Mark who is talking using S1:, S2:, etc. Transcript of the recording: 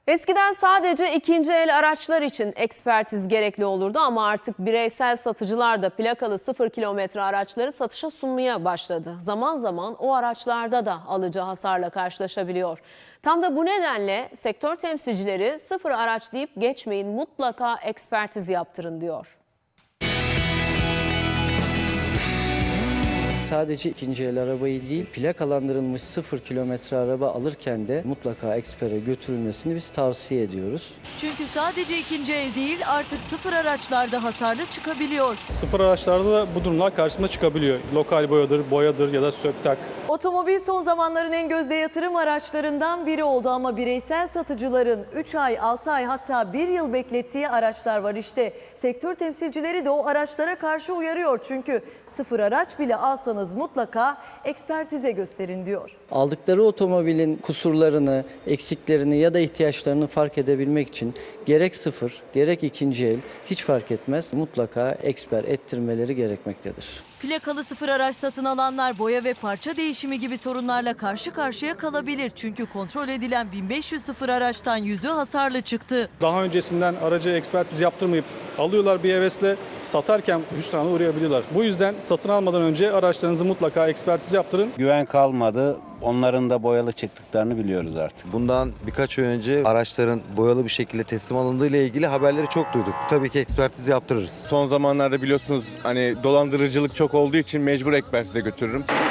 S1: Eskiden sadece ikinci el araçlar için ekspertiz gerekli olurdu ama artık bireysel satıcılar da plakalı 0 kilometre araçları satışa sunmaya başladı. Zaman zaman o araçlarda da alıcı hasarla karşılaşabiliyor. Tam da bu nedenle sektör temsilcileri sıfır araç deyip geçmeyin, mutlaka ekspertiz yaptırın diyor.
S2: Sadece ikinci el arabayı değil, plakalandırılmış 0 kilometre araba alırken de mutlaka ekspere götürülmesini biz tavsiye ediyoruz.
S3: Çünkü sadece ikinci el değil, artık sıfır araçlarda hasarlı çıkabiliyor.
S4: Sıfır araçlarda da bu durumlar karşımıza çıkabiliyor. Lokal boyadır ya da söktak.
S3: Otomobil son zamanların en gözde yatırım araçlarından biri oldu ama bireysel satıcıların 3 ay, 6 ay hatta 1 yıl beklettiği araçlar var. İşte sektör temsilcileri de o araçlara karşı uyarıyor. Çünkü sıfır araç bile alsanız mutlaka ekspertize gösterin diyor.
S2: Aldıkları otomobilin kusurlarını, eksiklerini ya da ihtiyaçlarını fark edebilmek için gerek sıfır, gerek ikinci el hiç fark etmez, mutlaka eksper ettirmeleri gerekmektedir.
S3: Plakalı sıfır araç satın alanlar boya ve parça değişimi gibi sorunlarla karşı karşıya kalabilir. Çünkü kontrol edilen 1500 sıfır araçtan 100'ü hasarlı çıktı.
S4: Daha öncesinden aracı ekspertiz yaptırmayıp alıyorlar bir hevesle, satarken hüsrana uğrayabiliyorlar. Bu yüzden satın almadan önce araçlarınızı mutlaka ekspertiz yaptırın.
S5: Güven kalmadı. Onların da boyalı çıktıklarını biliyoruz artık.
S6: Bundan birkaç ay önce araçların boyalı bir şekilde teslim alındığı ile ilgili haberleri çok duyduk. Tabii ki ekspertiz yaptırırız.
S7: Son zamanlarda biliyorsunuz hani dolandırıcılık çok olduğu için mecbur ekspertize götürürüm.